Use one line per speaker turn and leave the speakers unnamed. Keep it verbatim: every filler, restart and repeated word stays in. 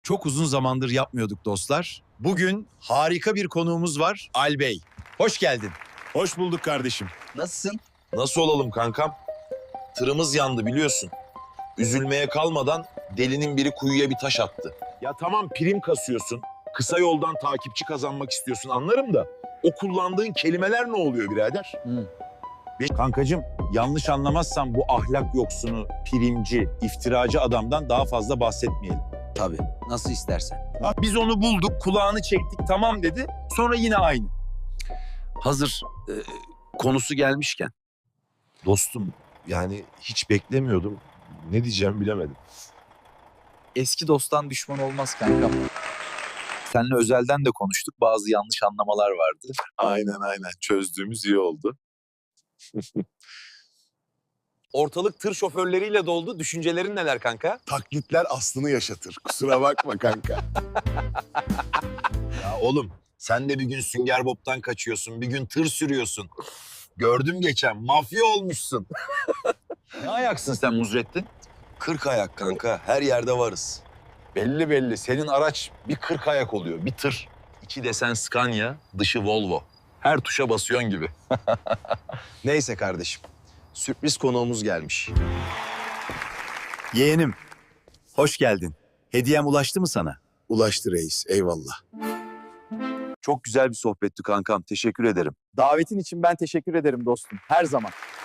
Çok uzun zamandır yapmıyorduk dostlar. Bugün harika bir konuğumuz var, Albey. Hoş geldin.
Hoş bulduk kardeşim.
Nasılsın?
Nasıl olalım kankam? Tırımız yandı biliyorsun. Üzülmeye kalmadan delinin biri kuyuya bir taş attı. Ya tamam prim kasıyorsun. Kısa yoldan takipçi kazanmak istiyorsun anlarım da. O kullandığın kelimeler ne oluyor birader?
Hı.
Kankacığım, yanlış anlamazsan bu ahlak yoksunu, primci, iftiracı adamdan daha fazla bahsetmeyelim.
Tabii. Nasıl istersen.
Biz onu bulduk, kulağını çektik, tamam dedi. Sonra yine aynı.
Hazır e, konusu gelmişken.
Dostum yani hiç beklemiyordum. Ne diyeceğimi bilemedim.
Eski dosttan düşman olmaz kankam. Seninle özelden de konuştuk. Bazı yanlış anlamalar vardı.
Aynen aynen çözdüğümüz iyi oldu.
Ortalık tır şoförleriyle doldu. Düşüncelerin neler kanka?
Taklitler aslını yaşatır. Kusura bakma kanka.
Ya oğlum sen de bir gün Sünger Bob'tan kaçıyorsun, bir gün tır sürüyorsun. Gördüm geçen mafya olmuşsun.
Ne ayaksın sen Muzrettin?
Kırk ayak kanka her yerde varız.
Belli belli. Senin araç bir kırk ayak oluyor. Bir tır. İçi desen Scania, dışı Volvo. Her tuşa basıyorsun gibi.
Neyse kardeşim. Sürpriz konuğumuz gelmiş.
Yeğenim, hoş geldin. Hediyem ulaştı mı sana?
Ulaştı reis. Eyvallah.
Çok güzel bir sohbetti kankam. Teşekkür ederim.
Davetin için ben teşekkür ederim dostum. Her zaman.